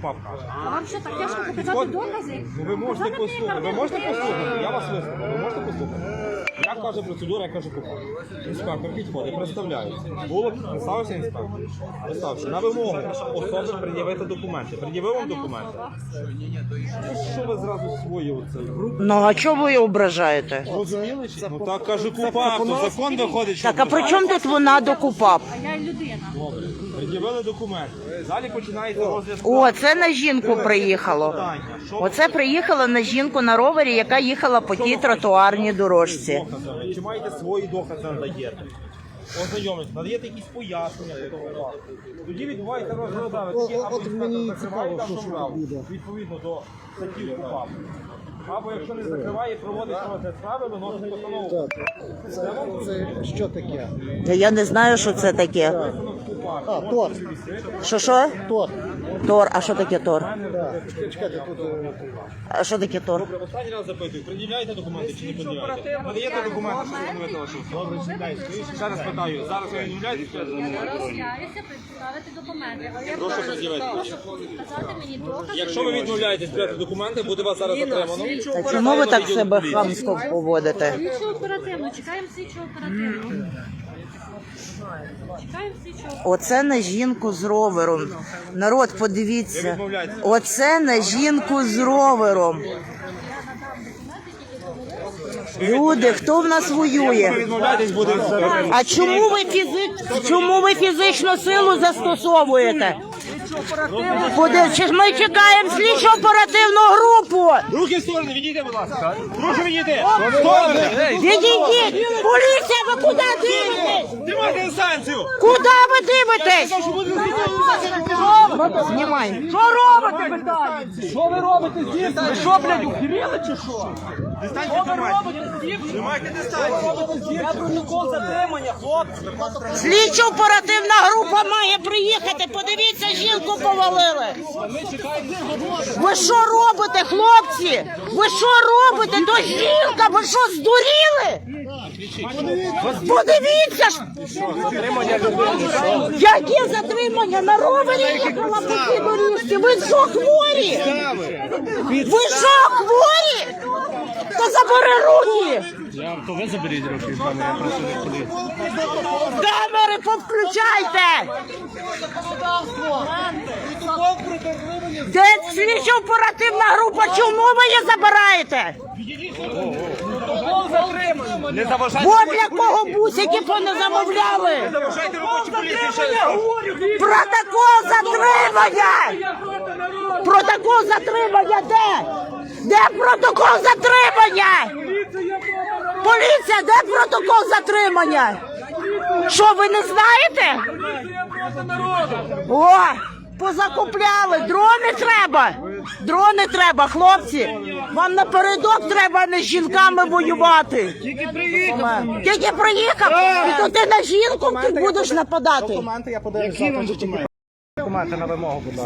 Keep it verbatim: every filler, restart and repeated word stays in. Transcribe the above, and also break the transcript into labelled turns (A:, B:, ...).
A: КУПАП каже.
B: А вам що так тяжко показати докази?
A: Ну ви можете послухати, ви можете послухати, я вас вислухаю, ви можете послухати. Як каже процедура, як каже КУПАП. Інспектор підходить, представляється. Було, представився інспектор. Представився. На вимогу особи пред'явити документи. Пред'явив вам документи? Що ви зразу свої оце?
C: Ну а чого ви її ображаєте?
A: Розуміли? Ну так каже КУПАП, то закон виходить, що...
C: Так, а при чому тут вона до КУПАП?
B: А я людина.
A: Добре. Пред'явили документи. Далі починається розгляд.
C: О, це на жінку приїхало.
A: Питання. Що
C: Оце приїхала на жінку на ровері, яка їхала по тій тротуарній дорожці.
A: докази? Чи маєте свої докази надаєте? Ознайомитися, надаєте якісь пояснення до того. Тоді відбувається розгляд справи. Тоді або інспектор закриває там справу, відповідно до статті КУПАП. Або якщо не закриває, проводить розгляд справи, виносить постанову.
D: Це що таке?
C: Та я не знаю, що це таке.
D: А, тор.
C: Що що?
D: Тор.
C: Тор. А що таке тор?
D: Так. Чекайте, тут... е,
C: А що таке тор?
A: Добре, останній раз запитую, пред'являєте документи чи не пред'являєте? Надаєте документи, що встановити вашу особу? Добре, читайте. Ще раз питаю, зараз ви відмовляєтесь?
B: Я роз'являюся представити документи. Але я
A: Прошу пред'явити.
B: прошу показати мені докази.
A: Якщо ви відмовляєтесь прийняти документи, буде вас зараз затримано.
C: А чому ви так себе хамсько поводите?
B: Слідчо оперативно, чекаємо слідчо оперативно. Чекаємо слідчо оперативно.
C: Оце на жінку з ровером. Народ, подивіться. Оце на жінку з ровером. Люди, хто в нас
A: Якщо ви
C: воює?
A: відмовляєтесь, буде
C: А чому ви фізи... чому ви фізичну силу застосовуєте? Поди- Чи ж ми чекаємо слідчо оперативну групу?
A: Руки в сторони, відійдіть, будь ласка. Прошу відійти. Сторони.
C: Відійдіть! Поліція, ви куди дивитесь?
A: Тримайте дистанцію.
C: Куди ви дивитесь? Знімай. Що робите, питаю?
E: Що ви робите здесь? Ви що, блядь, ухиріли чи що?
A: Дистанцію тримайте. Тримайте дистанцію.
E: Я протокол затримання, хлопці.
C: Слідчо оперативна група має приїхати. Подивіться, жінку повалили. Ви що робите, хлопці? Ви що робите? То жінка, ви що, здуріли? Подивіться ж! Яке затримання? На ровері їхала по цій доріжці? Ви що, хворі? Ви що, хворі? То забери руки!
E: То ви заберіть руки, пане, я прошу не ходити.
C: Камери повключайте! Де слідчо оперативна група? Чому ви її забираєте?
A: Не заважайте.
C: Бо для кого бусики не замовляли?
A: Заважайте робочі поліції.
C: Протокол затримання! Протокол затримання де? Де протокол затримання? Поліція, де протокол затримання? Що, ви не знаєте? О, позакупляли, дрони треба. Дрони треба, хлопці. Вам напередок треба не з жінками воювати. Тільки приїхав. Тільки приїхав. І то ти на жінку ти будеш нападати.
D: Документи я подаю завтра. Документи на вимогу, будь ласка.